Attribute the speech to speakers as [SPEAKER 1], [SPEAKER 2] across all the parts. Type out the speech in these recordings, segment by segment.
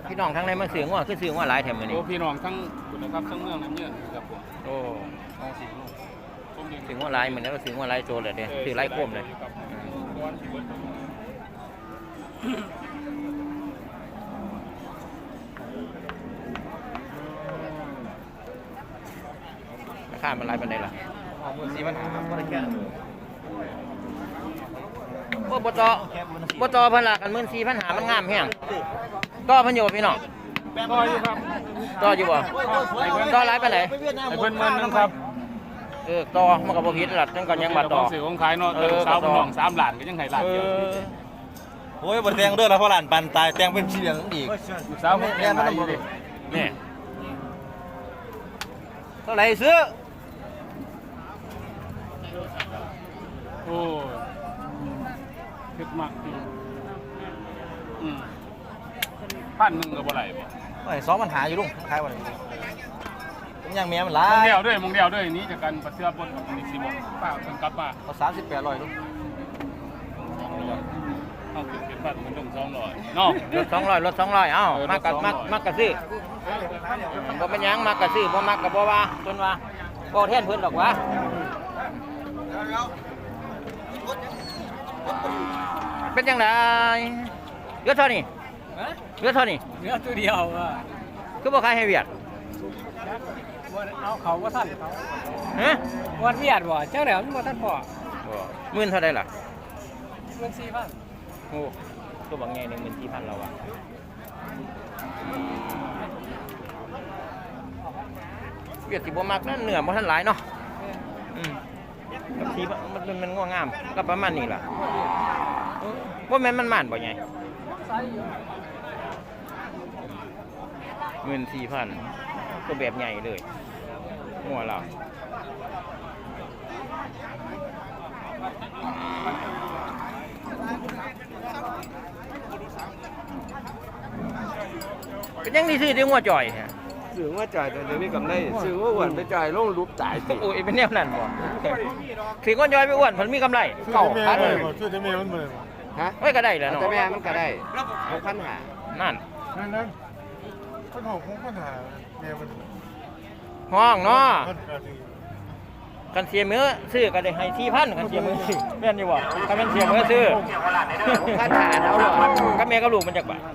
[SPEAKER 1] พี่น้องทั้งในมาซื้องัวคือซื้องัวหลายแถมมื้อนี้
[SPEAKER 2] โอ้พี่น้องทั้งคุณนะครับทั้งเมืองน้ำเยื่อครับผม
[SPEAKER 1] โอ้
[SPEAKER 2] ท้องสีลูกชมดี
[SPEAKER 1] ซื้องัวหลายมื้อนี้เราซื้องัวหลายโจเลยเด้ซื้อหลายโคมเลยราคามันหลายปานใดล่ะ
[SPEAKER 2] 14,500บ่ได้แค่
[SPEAKER 1] โอ้บ่ต่อเพิ่นละกัน14,500มันงามแฮงต่อเพิ่นอยู่พี่น้อง
[SPEAKER 2] ก็อยู่ครับ
[SPEAKER 1] ต่ออยู่บ่ต่อหลายปานใด
[SPEAKER 2] ให้เพิ่นนึงครับ
[SPEAKER 1] ต่อมันก็บ่ผิดล่ะจังก็ยังมาต่อ
[SPEAKER 2] สื่อของขายเนาะแต่สาวพี่น้อง3ล้านก็ยังให้ล้านเดียว
[SPEAKER 3] โอ้ยบนแตงเด้อแล้วพอหลานปันตายแตงเป็นสีเหลืองอีก
[SPEAKER 2] สาวแม่มันต้องบ่ดิ
[SPEAKER 1] นี่เท่าไหร่ซื้อ
[SPEAKER 2] โอ้คิดมาก1,000ก็บ่ไหลบ่
[SPEAKER 3] โอ้ย2ปัญหาอยู่ลุงขายบ่ได้ผมยังเมียมันหลาม
[SPEAKER 2] ง
[SPEAKER 3] ย
[SPEAKER 2] เดียวด้วยนี้จากกันประเทือบนนี่สิบ่ป้าเพิ่นกลับมา
[SPEAKER 3] เอา3800ลุง
[SPEAKER 2] เอาขึ้นเป็นพันมันต้อง200เนาะ
[SPEAKER 1] รถ200เอ้ามักกะซื้อบ่เป็นหยังมักกะซื้อบ่มักกะบ่ว่าจนว่าบ่แทนเพิ่นดอกวะเป็นจังไดเหลือเท่านี้เหลือเท่านี้
[SPEAKER 4] เนื้อตัวเดียวอ่ะ
[SPEAKER 1] คือบ่ขายให้เวียด
[SPEAKER 4] เอาเขาว่าท่านเขา
[SPEAKER 1] ฮะ
[SPEAKER 4] วันเวียดบ่เจ้าแหลมว่าท่านพ่อ
[SPEAKER 1] หมื่นเท่าใดล่ะ
[SPEAKER 4] เงิน4,000
[SPEAKER 1] โอ้ตัวบางแง่14,000เราอะเวียดสิบ่มักนั่นเนื้อบ่ทันหลายเนาะกับสีมันง่วงงามก็ประมาณนี้ล่ะว่าแม่นมันม่านบ่ไง14,000ตัวแบบใหญ่เลยหัวเราเป็นยังนี่ซื้อที่หัวจ่อยฮะ
[SPEAKER 5] ซื้อว่าจ่ายแต่เดี๋ยวนี้กำไรซื้อว่าอ้วนไปจ่ายลงรูปจ่ายสิ
[SPEAKER 1] โอ้ยเป็นแนวนั้นบ่ถือก้อนย่อยไปอ้วนผลมีกำไรเก่าพันเลย
[SPEAKER 5] ช่วยจะเมียมันเลย
[SPEAKER 4] ฮะ
[SPEAKER 1] ไว้ก็ได้แล้วเนาะ
[SPEAKER 4] แต่แม่มันก็ได้6,500
[SPEAKER 1] นั่น
[SPEAKER 5] นั่นปัญหาของปัญหาเมียมัน
[SPEAKER 1] ห้องเนาะกันเสียมือซื้อก็ได้ให้4,000กันเสียมือซื้อแม่นอยู่บ่กันเป็นเสียมือซื้อ6,500เอาหรอกับแม่กับลูกมันจักบาท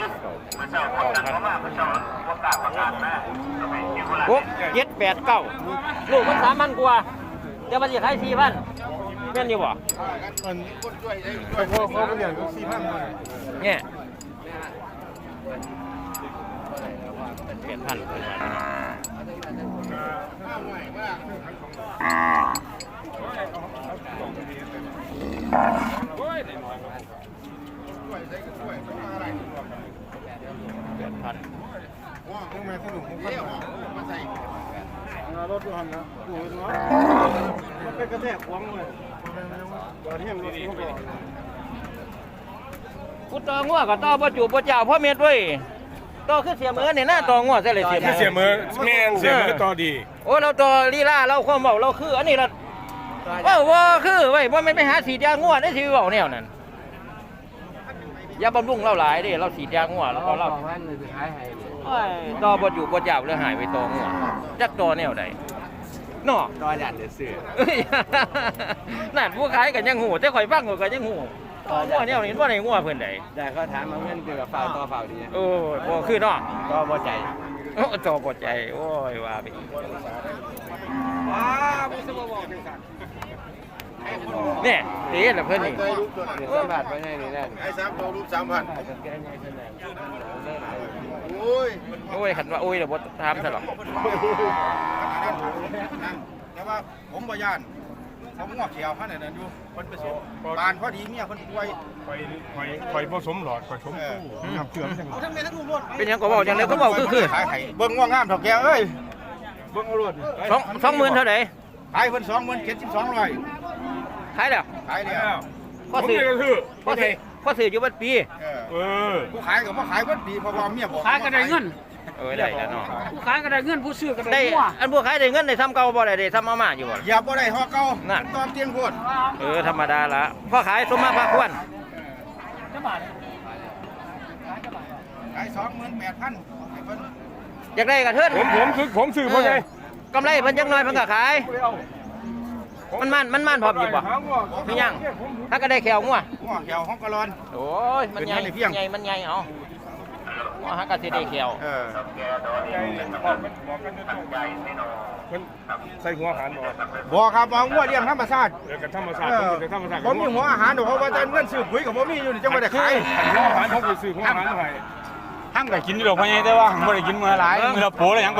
[SPEAKER 1] 6 7 8 9ลูกมัน3,000กว่าเดี๋ยวมันสิขาย4,000แม่นอยู่บ่
[SPEAKER 5] มันพอเขาเรียก4,000เลย
[SPEAKER 1] เนี่ย8,000
[SPEAKER 5] ยังไงสนุกของปัญหารถดูหันนะดูเนาะมันเป็นกระแทกขวางเลยตอนนี้ยังรถเขาบอก
[SPEAKER 1] กูต่องัวก็ต่อบ่จูบบ่เจ้าพ่อเม็ดเว้ยต่อคือเสียมือเนี่ยหน้าต่องัวซะเลยเสียมือ
[SPEAKER 5] เสียมือแม่เสียมือต่อดี
[SPEAKER 1] โอ้เราต่อลีลาเราความเว้าเราคืออันนี้ล่ะว่าคือเว้ยบ่แม่นไปหาสีดยางัวได้สิเว้าแนวนั้นอย่าบำรุงเราหลายเด้เราสีดยางัวแล้วก็เรา
[SPEAKER 4] 2,000นี่สิขายให้
[SPEAKER 1] โอ้ยต่อบ่จูบบ่เจ้าเลยหายไปต่องัวจักต่อแนวใดเนาะ
[SPEAKER 4] ต่อยันเดี๋ยวซื้อ
[SPEAKER 1] เอ้ย นั่นผู้ขายกันยังหูแต่ข่อยฟังก็ยังหูงัวเนี่ยเห็นว่าในงัวเพิ่นใด
[SPEAKER 4] ได้เขาถามมาเงินคือกับฝ่าวต่อฝ่าวดี
[SPEAKER 1] โอ้ยบ่คือเนาะ
[SPEAKER 4] ก็บ่ใจ
[SPEAKER 1] โอ้จอบ่ใจโอ้ยว่าไปอีกเนี่ยเอ๊ะล่ะเพิ่นนี่
[SPEAKER 4] เดี๋ยวสัมผัสไปให้นี่แน่
[SPEAKER 5] ไอ้3ตัวรูป3,000
[SPEAKER 1] โอ้ยคันว่าโอ้ยเดี๋ยวบ่ถามซะหรอก
[SPEAKER 5] แต่ว่าผมบ่ย่านผมงอกเขียวพันนั่นอยู่เพิ่นไปส่งบ้านพอดีเมียเพิ่นป่วย
[SPEAKER 6] ไฟผสมหลอดไฟผสมตู้น้ำเกลือจัง
[SPEAKER 5] เอาทั้งแม่ทั้งลูกรถ
[SPEAKER 1] เป็นหยังก็เว้าจังได๋ก็เว้าคือ
[SPEAKER 5] ขายให้เบิ่งง่วงงามเฒ่าแก่เอ้ยเบิ่งเอารถ
[SPEAKER 1] 20,000เท่าใด
[SPEAKER 5] ขายเพิ่น27,200
[SPEAKER 1] ขายแล้ว
[SPEAKER 5] ขายแล้ว
[SPEAKER 1] พอซื้อพอซื้ออยู่บัดปี
[SPEAKER 5] ผู้ขายก็บ่ขายเบิดดีเพราะว่าเมียบอก
[SPEAKER 4] ขายก็ได้เงิน
[SPEAKER 1] เอ้ยได้แล้วเนาะ
[SPEAKER 4] ผู้ขายก็ได้เงินผู้ซื้อก็
[SPEAKER 1] ได้
[SPEAKER 4] ได้หัว
[SPEAKER 1] อันพวกขายได้เงินได้ซ้ำเก่าบ่ได้ซ้ำมาม่าอยู่บ่
[SPEAKER 5] อย่าบ่ได้ฮอเก่า
[SPEAKER 1] นั่น
[SPEAKER 5] ตอนเตียงโพด
[SPEAKER 1] ธรรมดาละพ่อขายสมมาพาควร
[SPEAKER 4] จังบาท
[SPEAKER 5] ขาย28,000ให้เพิ่น
[SPEAKER 1] อยากได้กระเทิน
[SPEAKER 6] ผมซื้อเพราะไง
[SPEAKER 1] กำไรเพิ่นจักหน่อยเพิ่นก็ขายมันพร้อมอยู่บ่มีหยังถ้าก็ได้แขวงัว
[SPEAKER 5] หัวเขียวของกะลอน
[SPEAKER 1] โอ้ยมันใหญ่มันใหญ่เอางัวหาก็สิได้แขว
[SPEAKER 6] มันใส่หัวอาหารบ่
[SPEAKER 5] บ่ครับเอางัวเลี้ยงธรรมชาติ
[SPEAKER 6] เดี๋ยวกับธรรมชาติผมจะธรรมชาติ
[SPEAKER 5] ผมมีหัวอาหารดอกเพราะว่าแต่เงินซื้อปุ๋ยก็บ่มีอยู่นี่จังบ่ได้ขาย
[SPEAKER 6] หัวอาหารผมไปซื้อหัวอาหารให้
[SPEAKER 2] ห้างก็กินอยู่ดอกพ่อใหญ่แต่ว่าบ่ได้กินมื้อหลายมื้อละโปแล้วยังไป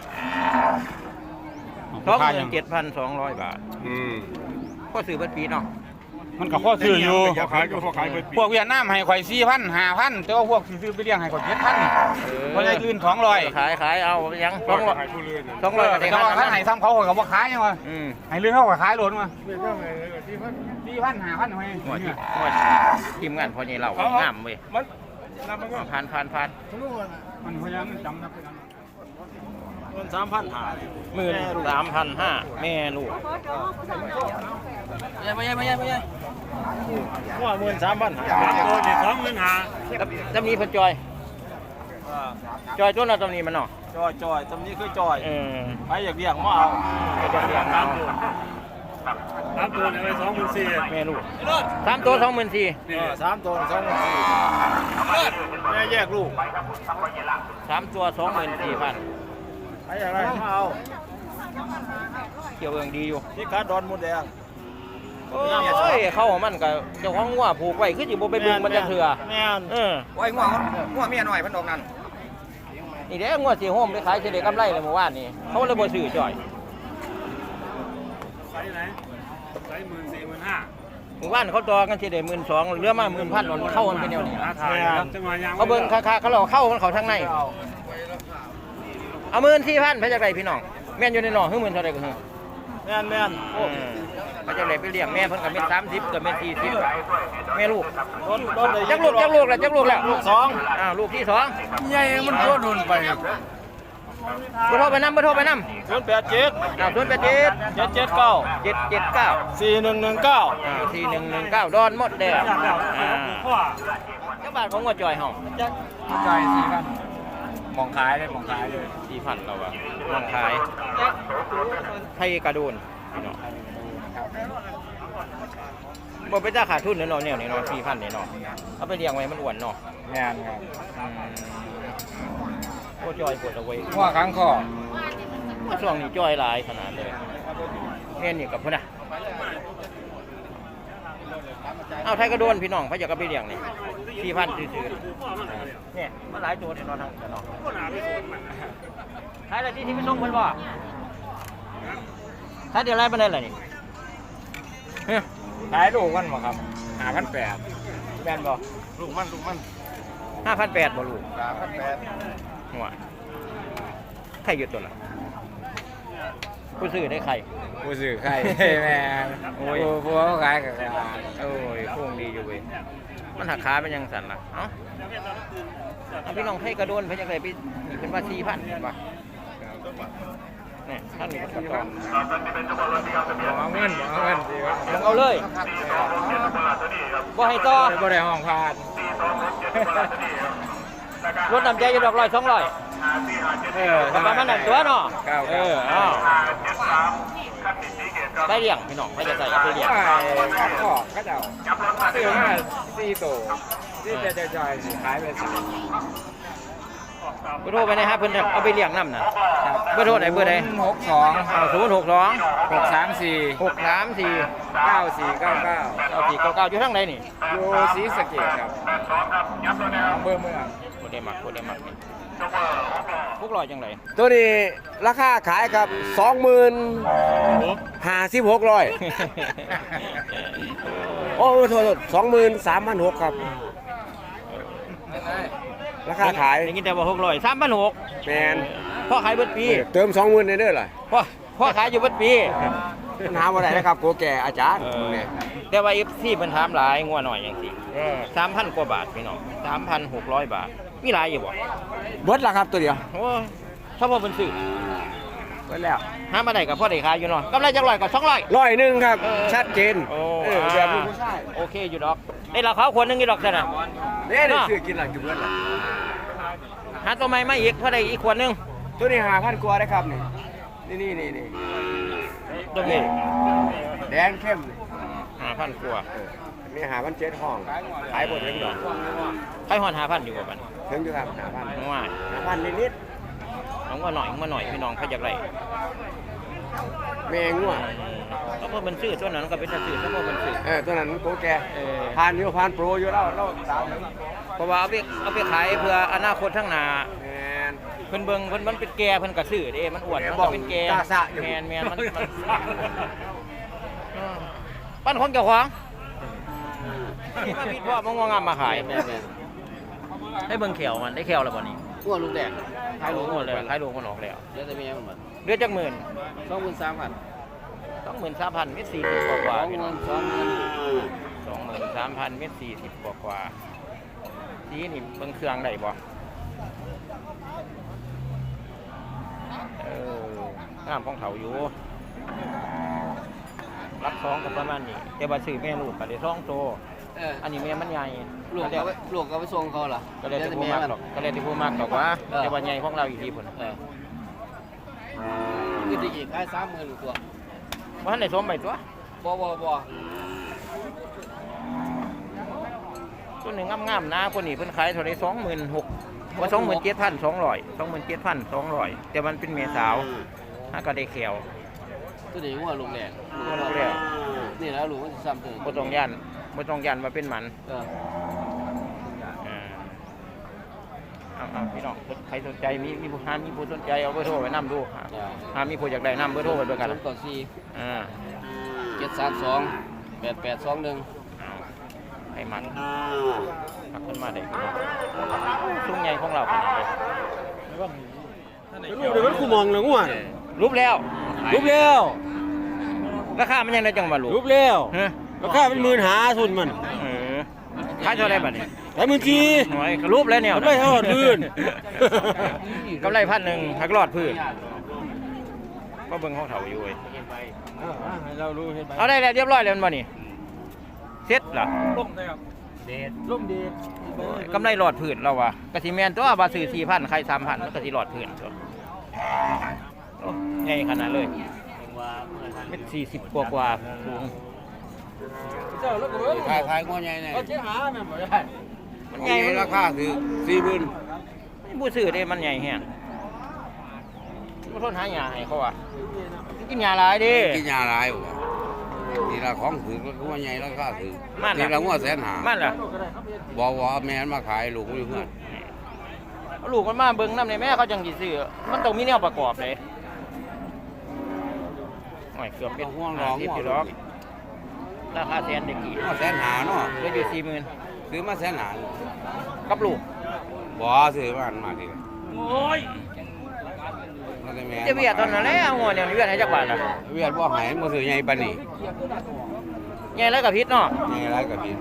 [SPEAKER 1] 27,200 บาทก็ซื้อเบิดปีเนาะ
[SPEAKER 2] มันก็พอซื้ออยู่
[SPEAKER 6] พอขายก็พอขายเปิดปี
[SPEAKER 2] พวกเวียดนามให้ข่อย 4,000 5,000แต่ว่าพวกที่ซื้อไปเลี้ยงให้ข่อย 7,000บ่ได้ลื่น200
[SPEAKER 1] ขายเอายัง
[SPEAKER 6] ก็
[SPEAKER 1] 200
[SPEAKER 6] ขายผู้เรือน
[SPEAKER 1] 200ก็
[SPEAKER 2] แต่
[SPEAKER 1] ได้
[SPEAKER 2] ว่าคันให้ซ้ำเขาข่อยก็บ่ขายยังว่าให้ลื่นเขาก็ขายโลดมา 4,000 5,000ให้
[SPEAKER 1] หัวทีมงานพอใหญ่เรางามเว้ย
[SPEAKER 6] มันนำมันก็
[SPEAKER 1] ผ่าน
[SPEAKER 2] มันพยายามจำนะ
[SPEAKER 1] 13,500แม่ลูกไม่ใช่ว่า13,500ตำนี้เพิ่นจอยตัวละตำนี้มันเนาะ
[SPEAKER 3] จอยตำนี้คือจอย
[SPEAKER 1] ไปอยากเลี้ยงมาเอาไปอยากเลี้ยงเอา3 ตัวเนี่ยไป24,000แม่ลูก3 ตัว 24,000
[SPEAKER 3] 3 ตัว 2 แม่แยกลูก
[SPEAKER 1] 3 ตัว 24,000
[SPEAKER 3] ไปอย่างไรมาเอา
[SPEAKER 1] เกี่ยวเองดีอยู่
[SPEAKER 3] ที่การดอนมดแดง
[SPEAKER 1] โอ้ยเข้ามันก็เจ้าของงัวผูกไว้คือสิบ่ไปบึงมันจะเถื่อ
[SPEAKER 3] แม่น
[SPEAKER 4] โอ้ยงัวเมียน้อยเพิ่นดอกนั้น
[SPEAKER 1] นี่เด้งัวสิโฮมไปขายสิได้กำไรเลยเมื่อวานนี้เขาเลยบ่ซื้อจ่อยเมื่อวานเขาต่อกันสิได้12,000เหลือมา 10,000หล่นเข้ามันเป็นแนวนี้เขาเบิ่งค่าเขาเราเข้ามันเขาทางในเอา14,000ไปจักไดพี่น้องแม่นอยู่ในหนอคือ10,000เท่าใดก็คือ
[SPEAKER 3] แม่น
[SPEAKER 1] โอ้ไปจักไดไปเลี้ยงแม่เพิ่นก็เป็น30ก็เป็น40แม่ลูก
[SPEAKER 3] ต้นเลย
[SPEAKER 1] จักลูกแล้วลูก2ลูกที่2
[SPEAKER 3] ใหญ่มันโดนไป
[SPEAKER 1] บ่โทรไปนำบ่โทรไปนำ
[SPEAKER 3] 087
[SPEAKER 1] 087
[SPEAKER 3] 779
[SPEAKER 1] 779
[SPEAKER 3] 4119
[SPEAKER 1] 4119ดอนหมดแดงเจ้าบ้านของงัวจ่อยเฮา
[SPEAKER 2] ใจ4,000มองขายเลย
[SPEAKER 1] 4,000เราอะมองขายไทยกระโดนพี่น้องบ่ไปจ้าขาดทุนเนาะแนวนี้เนาะ4,000นี่เนาะเอาไปเลี้ยงไว้มันอ้วนเนาะ
[SPEAKER 2] แม่นครับ
[SPEAKER 1] โอ้จอยปวดเอาไว้
[SPEAKER 2] หัวค้างคอ
[SPEAKER 1] ช่วงนี้จอยหลายขนาดเลยแม่นี่กับพุ่นน่ะเอาไทยกระโดนพี่น้องเขาอยากเอาไปเลี้ยงนี่4,000ซื่อๆเนี่ยมันหลายตัวเนี่ยเนาะทั้งเนาะขายอะไรที่ไปส่งเพิ่นบ่ขายเดี๋ยวไรปานใดล่ะนี่เฮ้ย
[SPEAKER 2] ขายลูกมันบ่ครับ5,800
[SPEAKER 1] แม่นบ่
[SPEAKER 6] ลูกมัน
[SPEAKER 1] 5,800บ่ลูกหัวไข่หยุดตัวละผู้ซื้อได้ไข่
[SPEAKER 2] ผู้ซื้อไข่แม่ผู้เขาขายกับขาย
[SPEAKER 1] โอ้ยโค้งดีอยู่เว้ยมันหักขาเป็นยังสั่นล่ะเอ้าเอาพี่น้องไทยกระโดนเพิ่นจังได๋พี่นี่เป็นว่า 4,000เห็นป่ะนี่ท่านนี่ก็ต้อง
[SPEAKER 2] เอาเงินสิครับ
[SPEAKER 1] ลงเอาเลยบ่ให้ต่อ
[SPEAKER 2] บ่ได้ห้องพาด
[SPEAKER 1] รถน้ำใจอยู่ดอก100 200ประมาณนั้นตัวเนาะอ้าวได้เลี้ยงพี่น้องไม่จะใส่เอาไปเลี้ยง
[SPEAKER 2] ข้างคอเขาเจ้าซื้อมา4ตัวที่จะจ่ายสิขายไป
[SPEAKER 1] เบอร์โทรไปนะฮะเพิ่นเอาไปเลี้ยงน้ำน่ะเบอร์โทรไหนเบอร์ใด
[SPEAKER 2] 062
[SPEAKER 1] 062
[SPEAKER 2] 634 9499
[SPEAKER 1] 9499อยู่ทางไหนนี่
[SPEAKER 2] อยู่ศรีสะเกษครับอำเภอเมือง
[SPEAKER 1] บ่ได้มักนี่พวกลอยจังได
[SPEAKER 4] ตัวนี้ราคาขายครับ20,056โอ้โทษ23,600ครับราคาขาย
[SPEAKER 1] ได้ยินแต่ว่า600 3,600
[SPEAKER 4] แมน
[SPEAKER 1] พ่อขายเบิดปี
[SPEAKER 4] เติม20,000ในเด้อล่ะ
[SPEAKER 1] พ่อขายอยู่เบิดปี
[SPEAKER 4] ปัญหาบ่ได้นะครับโกแก่อาจารย์เนี่ย
[SPEAKER 1] แต่ว่า FC เพิ่นถามหลายงัวหน่อยจังซี่3,000 กว่าบาทพี่น้อง 3,600 บาทมีหลายอยู่บ่
[SPEAKER 4] เบิดล่ะครับตัวเดียว
[SPEAKER 1] โอ้ยถ้าพอเพิ่นซื้อ
[SPEAKER 4] ไว้แล้ว
[SPEAKER 1] หามาได้กับพ่อได้ขายอยู่เนาะกำไรจักร้อยกับ200
[SPEAKER 4] 100ครับ ชัดเจน
[SPEAKER 1] โอ้
[SPEAKER 4] แบบลูกผู้ชาย
[SPEAKER 1] โอเคอยู่ดอกได้ราคาควรนึงอยู่ดอกซั่นน่ะ
[SPEAKER 4] เนี่ยได้ซื้อกินหลังจุเบิดละ
[SPEAKER 1] หาตัวใหม่มาอีกพ่อได้อีกควรนึง
[SPEAKER 4] ตัวนี้5,000กว่าได้ครับนี่นี่
[SPEAKER 1] ตัวนี้
[SPEAKER 4] แดงเข้ม
[SPEAKER 1] 5,000กว่า
[SPEAKER 4] นี่5,700ห้องขายบ่ถึงดอก
[SPEAKER 1] ใครฮอด5,000อยู่บ่บัดนี้
[SPEAKER 4] ถึงอยู่ครับ5,000
[SPEAKER 1] ว่า
[SPEAKER 4] 5,000นิด
[SPEAKER 1] น้องว่าหน่อยพี่น้องเขาอยากได้
[SPEAKER 4] ๆแม่งัว
[SPEAKER 1] ก็เพราะมันซื้อตัวนั้นก็เป็นซื้อถ้าเพราะมันซื้อ
[SPEAKER 4] ตัวนั้นโปรแก
[SPEAKER 1] ผ่าน
[SPEAKER 4] ผ่านโปรอยู่แล้วเราตาม
[SPEAKER 1] เพราะว่าเอาไปขายเพื่ออนาคตข้างหน้า
[SPEAKER 4] แมน
[SPEAKER 1] เพิ่นเบิ่งเพิ่นมันเป็นแก่เพิ่นก็ซื้อเด้มันอ้วนมันก็เป็นแก่
[SPEAKER 4] ตาสะอยู่
[SPEAKER 1] แม่นมันปั้นคนเจ้าของมาพิดพ่อมางามมาขายให้เบิ่งแขวมันได้แขวแล้วบ่นี่
[SPEAKER 7] หัวลูกแดง
[SPEAKER 1] ขายลูกหมดเลยขายลูกมันออกแล้ว
[SPEAKER 7] เดี๋ยวจะมีให้มันหมด
[SPEAKER 1] เดือนจักหมื่น
[SPEAKER 7] 23,000
[SPEAKER 1] 23,000เม็ด40กว่าๆพี่น้อง
[SPEAKER 7] 20,000
[SPEAKER 1] 23,000เม็ด40กว่าสีนี่เบิ่งเครื่องได้บ่งามของเขาอยู่รับ2ก็ประมาณนี้แต่ว่าซื้อแม่ลูกก็ได้2ตัวอันนี้แม่มันใหญ่
[SPEAKER 7] ลูกก็ไปส่งเขาเหรอ
[SPEAKER 1] ก็เลยที่ผู้มากหรอกก็เลยที่ผู้มากหรอกว่าแต่ว่าใหญ่ของเราอยู่ที่ผล
[SPEAKER 7] คือจะอีกได้30,000ตัว
[SPEAKER 1] ว่าในสมใบตัว
[SPEAKER 7] บ่
[SPEAKER 1] ตัวหนึ่งงามๆนะคนนี้เพิ่นขายเท่าไร26,000ว่า27,200แต่มันเป็นเมียสาวถ้าก็ได้แขว
[SPEAKER 7] ตัวนี้หัวลูกแดง
[SPEAKER 1] ตัวลูกแล้ว
[SPEAKER 7] นี่แล้วลูกมันสิซ้ำถึง
[SPEAKER 1] บ่ต้องยันว่าเป็นหมันเอาพี่น้องใครสนใจมีผู้สนใจเอาเบอร์โทรไว้นำดูมีผู้อยากได้นำเบอร์โทรไว้ด้วยกัน
[SPEAKER 7] 732 8821
[SPEAKER 1] ให้มันขึ้นมาได้ซุ้มใหญ่ของเราเป็นไง
[SPEAKER 4] รูปเดี๋ยวมันกูมองเลยงัว
[SPEAKER 1] รูปแล้ว ราคามันยังได้จังหวะลูก
[SPEAKER 4] รูปแล้ว
[SPEAKER 1] ฮะ
[SPEAKER 4] ราคาเป็น15,000ทุนมัน
[SPEAKER 1] ขายเท่าไรบัดนี้
[SPEAKER 4] ได้มื้อที
[SPEAKER 1] หน่อยก็รูปแล้วเนี่ย
[SPEAKER 4] กำไรเท่าพื้น
[SPEAKER 1] กำไร1,000หักรอดพื้นก็เบิ่งของเถาอยู่เว้ย
[SPEAKER 4] ให้เรารู้เฮ็ดไป
[SPEAKER 1] เอาได้แล้วเรียบร้อยแล้วมันบ่นี่เสร็จล่ะ
[SPEAKER 6] ร่มได้ครับ
[SPEAKER 4] ร่มดี
[SPEAKER 1] กำไรหลอดพื้นเราว่ะกะสิแม่นตัวว่าซื้อ 4,000 ใคร 3,000มันก็สิหลอดพื้นตัวโอ้ใหญ่ขนาดเลยเม็ด40กว่าสูง
[SPEAKER 4] เจ้าแล้วก็
[SPEAKER 7] ขายงัวใหญ่เนี่ย
[SPEAKER 4] เอาเจ๊หาแม่นบ่ได้
[SPEAKER 1] มันใหญ่
[SPEAKER 4] ราคาคือ40,000
[SPEAKER 1] ผู้ซื้อเด้มันใหญ่แฮงบ่ทนหาหญ้าให้เขาอ่ะกินหญ้าหลายเด้
[SPEAKER 2] กินยาหลายบ่นี่ละของถือก็ว่าใหญ่ราคาถือ
[SPEAKER 1] มัน
[SPEAKER 2] นี่ละงัวแสนหา
[SPEAKER 1] มันล่ะ
[SPEAKER 2] บ่ว่าแม่นมาขายลูกอยู่เฮือน
[SPEAKER 1] เอาลูกมันมาเบิ่งนำในแม่เขาจังสิซื้อมันต้องมีแนวประกอบเลยโอ้ยเกือบเป็น
[SPEAKER 2] ห่วงร้อง
[SPEAKER 1] 50อยู่ดอกราคาแสนได้กี่
[SPEAKER 2] งัวแสนหาเนาะ
[SPEAKER 1] เหลืออยู่ 40,000
[SPEAKER 2] ซื้อมาแสนหา
[SPEAKER 1] กับลูก
[SPEAKER 2] บ่ซื้อมาดิ
[SPEAKER 1] โอ้ย
[SPEAKER 2] มันได้แม่
[SPEAKER 1] จะเวียดตอนนั้นแหละเอางัวเนี่ยเวียดให้จักบาทล่ะ
[SPEAKER 2] เวียดบ่ให้บ่ซื้อใหญ่ปานนี้
[SPEAKER 1] ใหญ่แล้วก็พิษเนาะ
[SPEAKER 2] ใหญ่หลายก็ผิด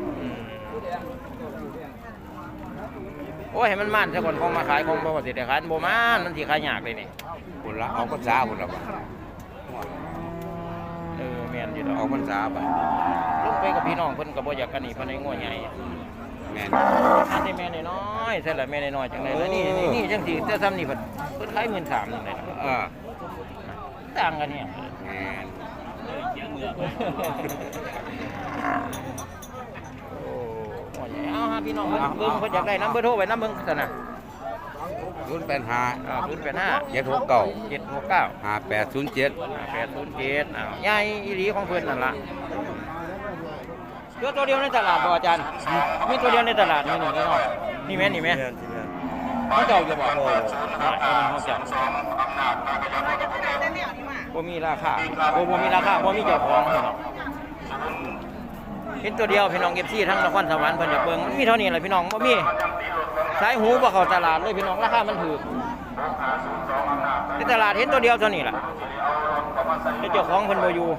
[SPEAKER 1] โอ้ยให้มันมันซะก่อนของมาขายของบ่สิได้ขายบ่มันสิขายยากเลยนี่
[SPEAKER 2] พุ่นละเอาพรรษาพุ่นละบ่
[SPEAKER 1] แม่นอยู่ดอก
[SPEAKER 2] เอาพรรษาไป
[SPEAKER 1] ลงไปกับพี่น้องเพิ่นก็บ่อยากกันนี่เพิ่นให้งัวใหญ่
[SPEAKER 2] แม่น
[SPEAKER 1] อันนี้แม่น้อยๆใช่ล่ะแม่น้อยๆจังได๋แล้วนี่จังสิแต่ซ้ำนี่เพิ่นขาย 13,000นึงเลย ต่างกันเนี่ย
[SPEAKER 2] แม่น
[SPEAKER 1] โอ้หัวใหญ่เอาหาพี่น้องเบิ่งเพิ่นอยากได้นำเบอร์โทรไว้นำเบิ่งซั่นน่ะ
[SPEAKER 2] 085
[SPEAKER 1] 085
[SPEAKER 2] 769
[SPEAKER 1] 769
[SPEAKER 2] 5807
[SPEAKER 1] 807ใหญ่อีหลีของเพิ่นนั่นล่ะตัวเดียวในตลาดบ่อาจารย์มีตัวเดียวในตลาดนี่เนาะนี่แม่นี่แม่เขาเจ้าจะบอกเขาเจ้าบ่มีราคาบ่มีราคาบ่มีเจ้าของพี่น้องเห็นตัวเดียวพี่น้อง FC ทั้งนครสวรรค์เพิ่นอยากเบิ่งมันมีเท่านี้แหละพี่น้องบ่มีสายหูบ่เข้าตลาดเลยพี่น้องราคามันถูกในตลาดเห็นตัวเดียวเท่านี้ล่ะเจ้าของเพิ่นบ่อยู่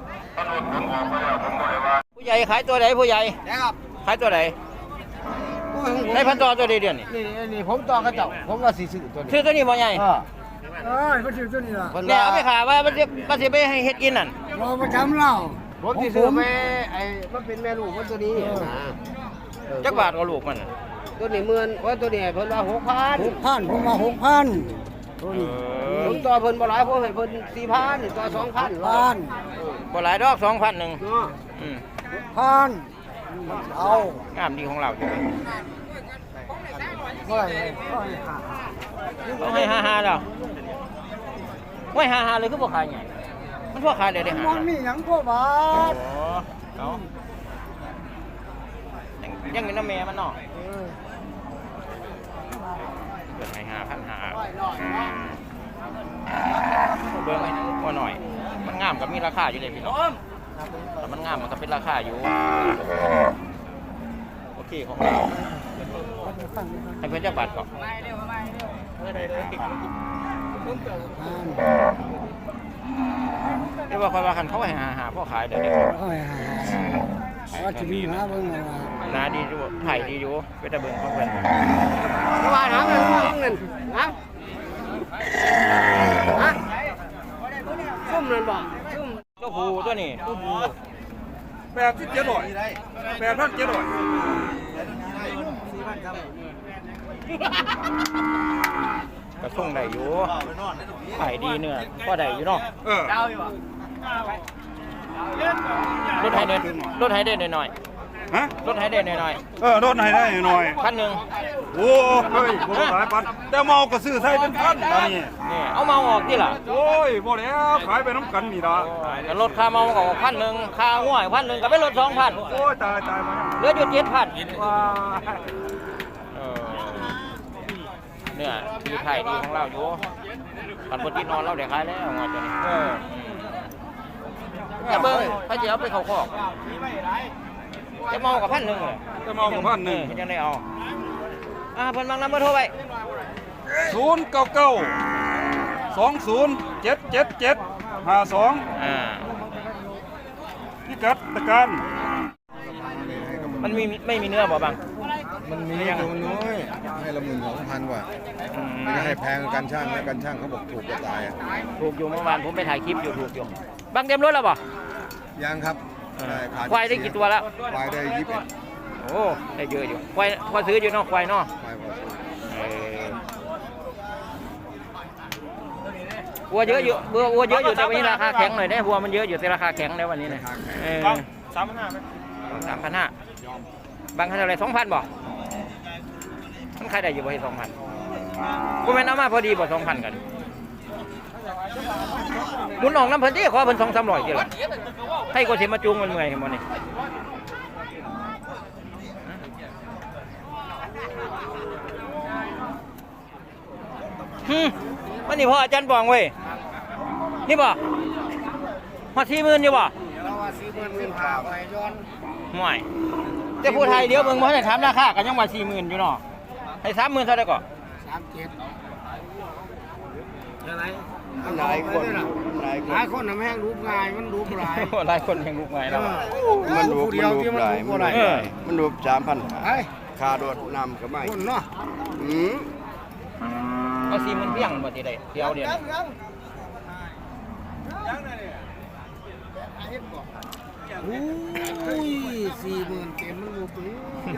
[SPEAKER 1] ผู้ใหญ่ขายตัวไหนผู้ใหญ่
[SPEAKER 4] นะครับ
[SPEAKER 1] ขายตัวไหน
[SPEAKER 4] กู
[SPEAKER 1] ได้พันต่อตัวเดียวนี่
[SPEAKER 7] นี่ผมต่อกระเจ้าผมว่าสิซื้อตัวนี้
[SPEAKER 1] ซื้อตัวนี้บ่ใหญ่
[SPEAKER 7] มันซื้อตัวนี้ล่ะ
[SPEAKER 1] เนี่ยเอาไปขายว่ามันสิไปให้เฮ็ดกินนั่น
[SPEAKER 7] เราประจำเราผมสิซื้อไปไอ้มันเป็นแม่ลูกมันตัวนี้นะ
[SPEAKER 1] จักบาทก็ลูกมันน่ะ
[SPEAKER 7] ตัวนี้10,000ว่าตัวนี้เพิ่นว่า6,000
[SPEAKER 8] 6,000ผมว่า6,000
[SPEAKER 7] ผมต่อเพิ่นบ่หลายผมให้เพิ่น4,000ต่อ2,000
[SPEAKER 8] 1,000
[SPEAKER 1] บ่หลายดอก 2,000นึง
[SPEAKER 7] เนาะ
[SPEAKER 1] อืม
[SPEAKER 8] 1,000เอา
[SPEAKER 1] งามดีของเราอยู่
[SPEAKER 8] เท่าไหร่
[SPEAKER 1] ต้องให้55แล้วไว้55เลยคือบ่ขายใหญ่มันพอขายได้ได้5
[SPEAKER 8] มันมีหยังพวกบาท
[SPEAKER 1] เอายังอยู่น้ำแม่มันเนาะเกิดให้5,500เบิ่งให้ว่าหน่อย มันงามกับมีราคาอยู่เลยพี่น้องแต่มันงามมันก็เป็นราคาอยู่โอเคของเราให้เพื่อนเจ้าบัตรก่อนเรียกว่าคอยว่าคันเขาให้หาพ่อขายเดี๋ยวนี้
[SPEAKER 8] เอาให้หาว่าจะมีหาเบิ่งว่า
[SPEAKER 1] นาดีอยู่ไผ่ดีอยู่ไปตะเบิ่งของเพื่อน
[SPEAKER 7] ว่าหาเงินฮะซุ่มนั่นบ่ซุ่ม
[SPEAKER 1] เจ้าผูตัวนี้ กระส่งได้อยู่ไผ่ดีเนื้อก็ได้อยู่เนาะรถไฮเดนหน่อย
[SPEAKER 6] ฮะ
[SPEAKER 1] รถไฮเดนหน่อย
[SPEAKER 6] รถให้ได้หน่อย
[SPEAKER 1] 1,000
[SPEAKER 6] โอ้เฮ้ยบ่หลายปันแต่เมาก็ซื้อใส่เป็นพันอันนี้
[SPEAKER 1] นี่เอาเมาออกที่ล่ะ
[SPEAKER 6] โอ้ยบ่แล้วขายไปน้ำกันนี่ล่ะ
[SPEAKER 1] ก็ลดค่าเมาก็ออก1,000ค่าง่วย1,000ก็ไปลด 2,000
[SPEAKER 6] โอ้ยตายมา
[SPEAKER 1] เหลืออยู่ 7,000
[SPEAKER 6] ว้า
[SPEAKER 1] เนี่ยดีไทยดีของเราอยู่ปันปตินอนเราได้ขายแล้วงอตัวนี้จะเบิ้งพระเจ้าไปเขาคอกจะเมากับ1,000เลย
[SPEAKER 6] แต่เมากับ1,000
[SPEAKER 1] ยังได้เอาเพิ่นบางนำเบอร์โทรไป
[SPEAKER 6] 099 207775 พิกัดตะการ
[SPEAKER 1] มันไม่มีเนื้อบ่บาง
[SPEAKER 5] มันมีตัวมันน้อยให้ละ12,000กว่าไม่ได้ให้แพงกันช่างแล้วกันช่างเขาบอกถูกกว่าตายอ่ะ
[SPEAKER 1] ถูกอยู่เมื่อวานผมไปถ่ายคลิปอยู่ถูกอยู่บางเต็มรถแล้วบ่
[SPEAKER 5] ยังครับ
[SPEAKER 1] ควายได้กี่ตัวแล้ว
[SPEAKER 5] ควายได้21
[SPEAKER 1] โอ้ได้เยอะอยู่ควายพอซื้ออยู่เนาะควายเนาะ
[SPEAKER 5] ควายพอซื้อ
[SPEAKER 1] วัวเยอะอยู่วัวเยอะอยู่แต่วันนี้ราคาแข็งหน่อยได้วัวมันเยอะอยู่แต่ราคาแข็งแล้ววันนี้นะ3,500ไหม3,500บางคันอะไร2,000บ่มันขายได้อยู่บ่ให้2,000กูแม่นเอามาพอดีบ่2,000กันหมุนออกน้ำเพิ่นที่ขอเพิ่น2-300กี่ล่ะให้กูสิมาจูงมันเมื่อยเห็นบ่นี่วันนี้พ่ออาจารย์บองเว้ยนี่บ่ฮอด40,000อยู่บ่
[SPEAKER 7] เราว่า40,000เป็นข่าวไปย้อน
[SPEAKER 1] ห่วยแต่ผู้ไทยเดี๋ยวเบิ่งบ่ได้ถามราคาก็ยังว่า 40,000 อยู่เนาะให้ 30,000 เท่าใดก็
[SPEAKER 7] หลายคนหลายคนน่ะแม่งรูปง่ายมันรูปหลาย
[SPEAKER 1] หลายคนยังลุกไงแล้ว
[SPEAKER 7] มันรูปเดียวที่มันรูปบ่ได้
[SPEAKER 3] มันรูป3,000
[SPEAKER 7] ไอ้
[SPEAKER 3] ค่าโดดน้ำก็ไม่
[SPEAKER 7] คนเนาะ
[SPEAKER 1] เอา40,000เพียงบ่สิได้เดี๋ยวนี้
[SPEAKER 7] อุ้ย40,000เต็มมันรูปนี้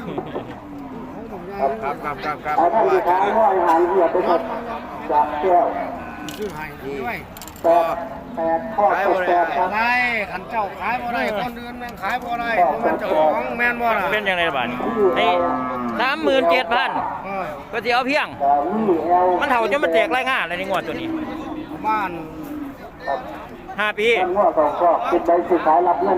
[SPEAKER 3] ครับ
[SPEAKER 8] ถ้ามีทางห้อยหายเหยียบไปหมดจากแก้ว
[SPEAKER 7] ซื้อให้ด้วย
[SPEAKER 8] 8ข้อ8ครับ
[SPEAKER 7] ได้ขันเจ้าขายบ่ได้คนอื่นแม่งขายบ่ได้มันเจ้าของแม่นบ่ล่ะ
[SPEAKER 1] เป็นจังไดบาดนี้ให้37,000ก็สิเอาเพียง
[SPEAKER 8] แต่วีเอล
[SPEAKER 1] มันเฒ่าจนมันแตกรายงานเลยในงวดตัวนี้
[SPEAKER 7] บ้าน
[SPEAKER 1] 5 ปี
[SPEAKER 8] ท่านว่าก็ติดใบสื่อสายรับเงิน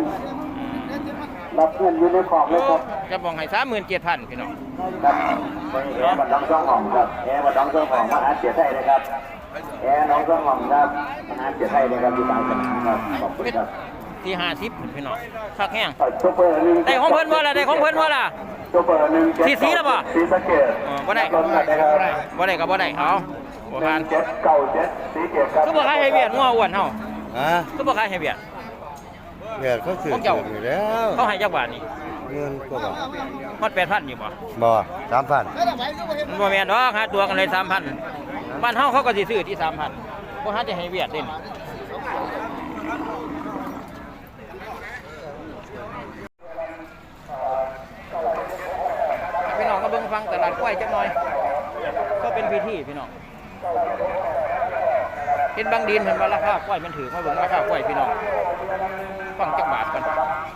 [SPEAKER 8] อยู่ในขอบเลยครับ
[SPEAKER 1] จะบอกให้37,000พี่น้อง
[SPEAKER 8] ครับแอร์บัดดองซ่องหอมครับแอร์บัดดองซ่องหอมมหาเสียไทยเลยครับแอร์น้องซ่องหอมครับมหาเสียไทยเลยครับอยู่ต่างจังหวัดครับขอบคุณครับ
[SPEAKER 1] ที่50พี่น้องคักแห้ง
[SPEAKER 8] โชเฟอร์หนึ่ง
[SPEAKER 1] ได้ของเพิ่นบ่ล่ะได้ของเพิ่นบ่ล่ะ
[SPEAKER 8] โชเฟอร์หนึ่งเจ็ด
[SPEAKER 1] สีแล้วบ่
[SPEAKER 8] สีสะเกด
[SPEAKER 1] บ่ได้
[SPEAKER 8] รถอะไรครับ
[SPEAKER 1] บ่ได้ก็บ่ได้เอาบ่ผ่าน
[SPEAKER 8] 1797สีเกดครับ
[SPEAKER 1] คือบ่ขายให้เวียดงัวอ้วนเฮา
[SPEAKER 5] ฮะ
[SPEAKER 1] คือบ่ขายให้เวียด
[SPEAKER 5] เวียดเขาซื้อ
[SPEAKER 1] ของเจ้า
[SPEAKER 5] อยู่แล้ว
[SPEAKER 1] เขาให้จักบาทนี่
[SPEAKER 5] ว
[SPEAKER 7] เงินกว่าบาท
[SPEAKER 1] ฮอด8,000อยู่บ่
[SPEAKER 7] บ่3,000
[SPEAKER 1] มันบ่แม่นดอกหาตัวกันเลย3,000บ้านเฮาเขาก็สิซื้อที่ 3,000บ่หาจะให้เวียดเด้นี่พี่น้องก็เบิ่งฟังตลาดกล้วยจักหน่อยก็เป็นพิธีพี่น้องเห็นบางดินเห็นว่าราคากล้วยมันถือมาเบิ่งราคากล้วยพี่น้องฟังจักบาทก่อน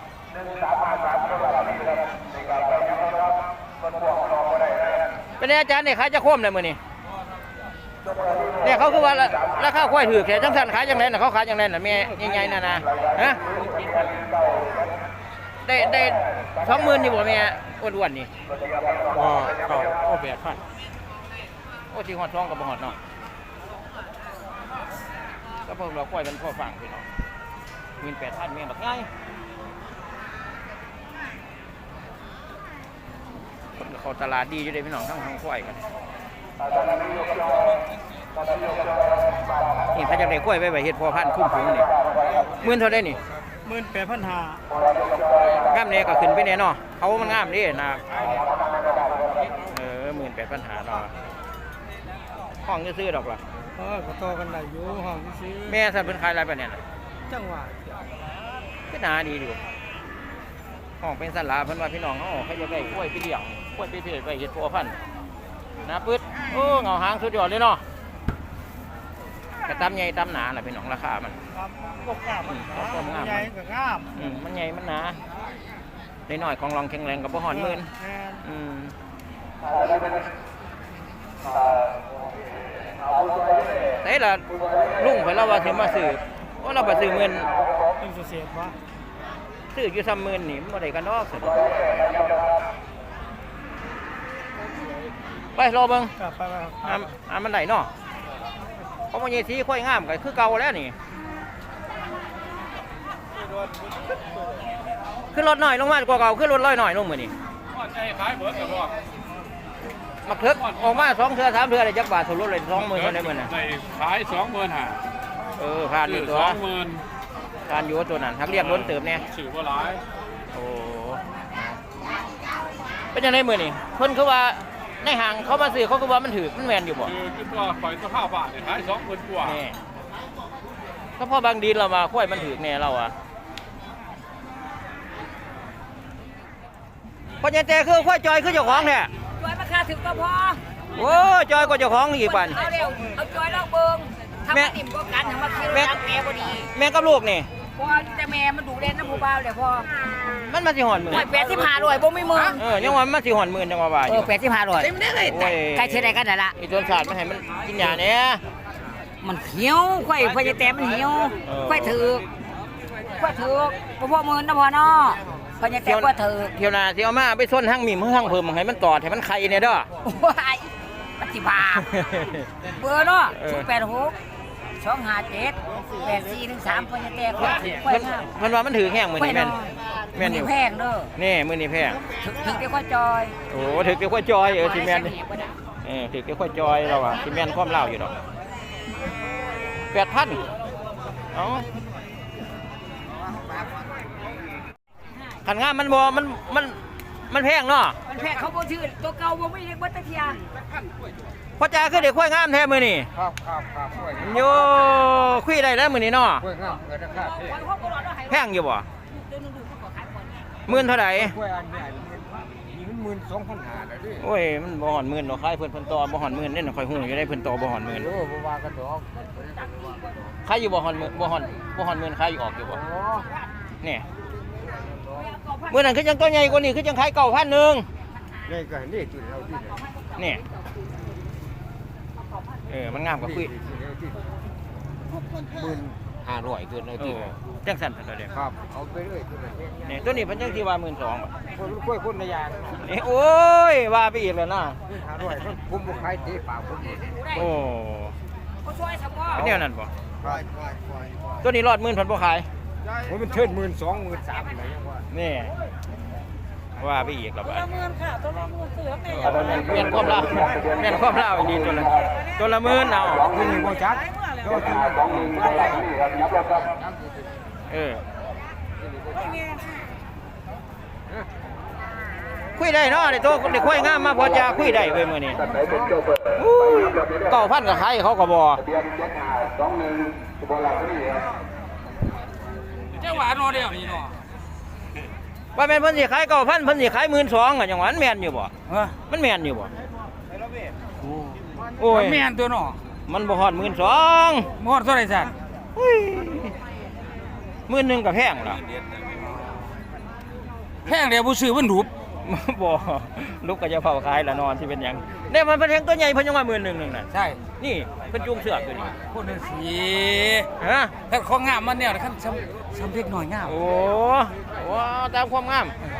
[SPEAKER 1] เป็นไงอาจารย์เนี่ยขายจะคว่ำเลยมื้อนี้เนี่ยเขาคือว่าราคากล้วยถือแค่จังซั่นขายจังได๋น่ะเขาขายจังได๋น่ะแม่ใหญ่ๆน่ะนะฮะได้20,000นี่บ่แม่อ้วนๆนี่ก็8,000โอ้สิฮอด2ก็บ่ฮอดเนาะก็เพิ่มเรากล้วยมันพอฟังพี่น้อง18,000แม่บักใหญ่เขาตลาดดีอยู่เด้พี่น้องทั้งกล้วยกันนี่ถ้าจะได้กล้วยไว้เฮ็ดพอพันธุ์คุ้มฝูงนี่10,000เท่าได้นี่
[SPEAKER 4] 18,500
[SPEAKER 1] งามแน่ก็ขึ้นไปแน่เนาะเขามันงามดินะ18,500เนาะห้องซื้อดอกล่ะ
[SPEAKER 4] ก็ต่อกันได้อยู่ห้องซื้อ
[SPEAKER 1] แม่สันเพิ่นขายอะไรปะเนี่ย
[SPEAKER 4] จังหวะ
[SPEAKER 1] ก็น่าดีอยู่ห้องเป็นสันลาเพิ่นว่าพี่น้องเขาจะได้กล้วยไปเลี้ยงกล้วยไปเพชรไปเฮ็ดพัวพันธุ์นะปึ๊ดโอ้เงาหางสุดยอดเลยเนาะกระตำใหญ่ตำหนาล่ะพี่น้องราคามัน
[SPEAKER 4] ครับก็กล้ามันใหญ่ก็งาม
[SPEAKER 1] มันใหญ่มันหนาได้น้อยของรองแข็งแรงกับบ่ฮอดหมื่นแต่ละลุงเพิ่นเราว่าสิมาซื้อว่าเราบ่ซื้อเงิน
[SPEAKER 4] เป็นเสียบ่
[SPEAKER 1] ซื้ออยู่30,000นี่มันบ่ได้กันดอกสิไปรอเบิ่ง
[SPEAKER 4] ครับไปครับ
[SPEAKER 1] มันได้เนาะเพราะมันยีสีค่อยงามก็คือเก่าแล้วนี่ขึ้นรถหน่อยลงมากว่าเก่าขึ้นรถร้อยหน่อยลงมื้อนี้มักเถิกออกมา2เทื่อ3เทื่อได้จักบาทสรุปเลย20,000เท่านั้นมื้อน่ะ
[SPEAKER 6] ขาย25,000
[SPEAKER 1] ผ่านอยู่ตัว
[SPEAKER 6] 20,000
[SPEAKER 1] ผ่านอยู่ตัวนั้นทักเรียกล้นเติมแน่
[SPEAKER 6] ชื่อบ่หลาย
[SPEAKER 1] โอ้เป็นจังได๋มื้อนี้เพิ่นคือว่าในห้างเขามาซื้อเขาคือว่ามันถูกมันแม่นอยู่บ่
[SPEAKER 6] คือว่าข่อยตัว5 บาทนี่ขาย20,000กว่า
[SPEAKER 1] นี่ก็พอบางดินเรามาค่อยมันถูกแน่เราอ่ะพอจะแต่คือค่อยจอยคือเจ้าของเนี่ย
[SPEAKER 9] จอยราคาถึงก็พอ
[SPEAKER 1] โอ้จอยก็เจ้าของอีกปัน
[SPEAKER 9] เอาเร็วเอาจอยลองเบิ่งทำมาติ่มก็กันทำมาคิวรังแม่พอดี
[SPEAKER 1] แม่กับลูกนี่
[SPEAKER 9] พอแต่แม่มันดูเล่นน้ำผู้บ่าวเลยพอ
[SPEAKER 1] มันมาสิหอนมือ
[SPEAKER 9] โอ้ย85บ่มีมือ
[SPEAKER 1] ยังว่ามันสิหอนมือจังว่าว่าอ
[SPEAKER 9] เอยู่ อ85เต็มได้เลยใกล้เท่าใดกันนั่นล่ะ
[SPEAKER 1] อีต้นศาสตร์มันให้มันกินหญ้าเนี่ย
[SPEAKER 9] มันเหี่ยวไข่พอจะแต้มมันเหี่ยวไข่ถือกบ่พอมื้อนะพอเนาะพอจะแต้มบ่ถือก
[SPEAKER 1] เที่ยวหน้าสิเอามาไปส้นหั่งมีมือหั่งเพิ่มให้มันตอดให้มันไข่เนี่ยเด้อ
[SPEAKER 9] ว้ายมันสิบาปเบอร์เนาะ086 257 8413พอจะแต้มไข่งาม
[SPEAKER 1] เพิ่นว่ามันถือแห้งมื้อนี้แม่นอยู่
[SPEAKER 9] แพงเด้อ
[SPEAKER 1] นี่มื้อนี้แพง
[SPEAKER 9] ถึงเดี๋ยวก็จอย
[SPEAKER 1] โอ้ถือเกี่ยวข้อยจอยสิแม่นถือเกี่ยวข้อยจอยเราอ่ะสิแม่นความเล่าอยู่ดอก 8,000เอ้าขันงามมันบ่มันแพงเนาะ
[SPEAKER 9] มันแพงเขาบ่ชื่อตัวเก่าบ่มีเล็กบ่ตะเทีย
[SPEAKER 1] พ่อจ๋าคือเด็กค่อยงามแท้มื้อนี้
[SPEAKER 2] ครับ
[SPEAKER 1] โยคุยได้แล้วมื้อนี้เนาะ
[SPEAKER 2] กล้วยงามเกิดราคา
[SPEAKER 1] แพงอยู่บ่10,000เท่าใด
[SPEAKER 2] กล้วยอันใหญ่นี่มัน12,500แล้วดิ
[SPEAKER 1] โอ้ยมันบ่ฮอด10,000ดอกขายเพิ่นต่อบ่ฮอด10,000เด้ค่อยฮู้อยู่ได้เพิ่นต่อบ่ฮอด10,000
[SPEAKER 2] โอ้บ่ว่ากันดอก
[SPEAKER 1] ขายอยู่บ่ฮอด10,000บ่ฮอด10,000ขายอยู่ออกอยู่บ่นี่มื้อนั้นคือจังตัวใหญ่กว่านี้คือจังขาย9,000นึง
[SPEAKER 2] นี่ก็นี่จุดเราที่
[SPEAKER 1] นี่มันงามกว่าคุย
[SPEAKER 2] 1,500เกินเลยที่
[SPEAKER 1] จังสั่นเพิ่นเด้อ
[SPEAKER 2] ครับเอาไปเรื่อยตัวนี้
[SPEAKER 1] นี่ตัวนี้เพิ่นจังสิว่า12,000บ่
[SPEAKER 2] คนกล้วยคนละอย่าง
[SPEAKER 1] นี่โอ้ยว่าไปอีกแล้วนะ
[SPEAKER 2] 1,500มันคุมบ่ขายตีปากผม
[SPEAKER 1] โอ้
[SPEAKER 9] เขาช่วยสมอ
[SPEAKER 1] เป็นแนวนั้นบ่
[SPEAKER 2] ครับ
[SPEAKER 1] ตัวนี้รอด10,000เพิ่นบ่ขาย
[SPEAKER 2] โอ้ยมันเทิด12,000 13,000อะไรอย่างว่า
[SPEAKER 1] นี่ว่าไปอีกแล้วบัด
[SPEAKER 9] 10,000ค่ะตัวละ10,000เสือกนี่
[SPEAKER 1] เปลี่ยนความลาวเปลี่ยนความลาวอีกดีตัวละ10,000เอา
[SPEAKER 2] มันนี่บ่จักโตที่
[SPEAKER 1] คุยได้เนาะได้โตได้คุยงามมาพอจะคุยได้เว้ยมื้อนี้9,000ก็ขายเขาก็บ่
[SPEAKER 2] เจ้าหวานเดียวนี่เนาะ
[SPEAKER 1] ว่าแม่นเพิ่นสิขาย9,000เพิ่นสิขาย12,000อ่ะจังหวะมันแม่นอยู่บ่
[SPEAKER 2] เออ
[SPEAKER 1] มันแม่นอยู่บ่โอ้ย
[SPEAKER 2] แม่นตัวเนาะ
[SPEAKER 1] มันบ่ฮอด12,000
[SPEAKER 2] หมดเท่าไหร่สั่น
[SPEAKER 1] 10,000ก็แพงล่ะ
[SPEAKER 2] แพงเดียวผู้ซื้อมันรูป
[SPEAKER 1] บ่ลูกก็จะเฝ้าขายละนอนที่เป็นหยังเนี่ยมันเป็นแทงตัวใหญ่เพิ่นยังว่า11,000นึงน่ะ
[SPEAKER 2] ใช่
[SPEAKER 1] นี่เพิ่นจูงเสือกอยู่นี่
[SPEAKER 2] คนนึงสี
[SPEAKER 1] ฮะ
[SPEAKER 2] ถ้าของงามมันเนี่ยคันซ้ำเล็กหน่อยงาม
[SPEAKER 1] โอ้ตามความงาม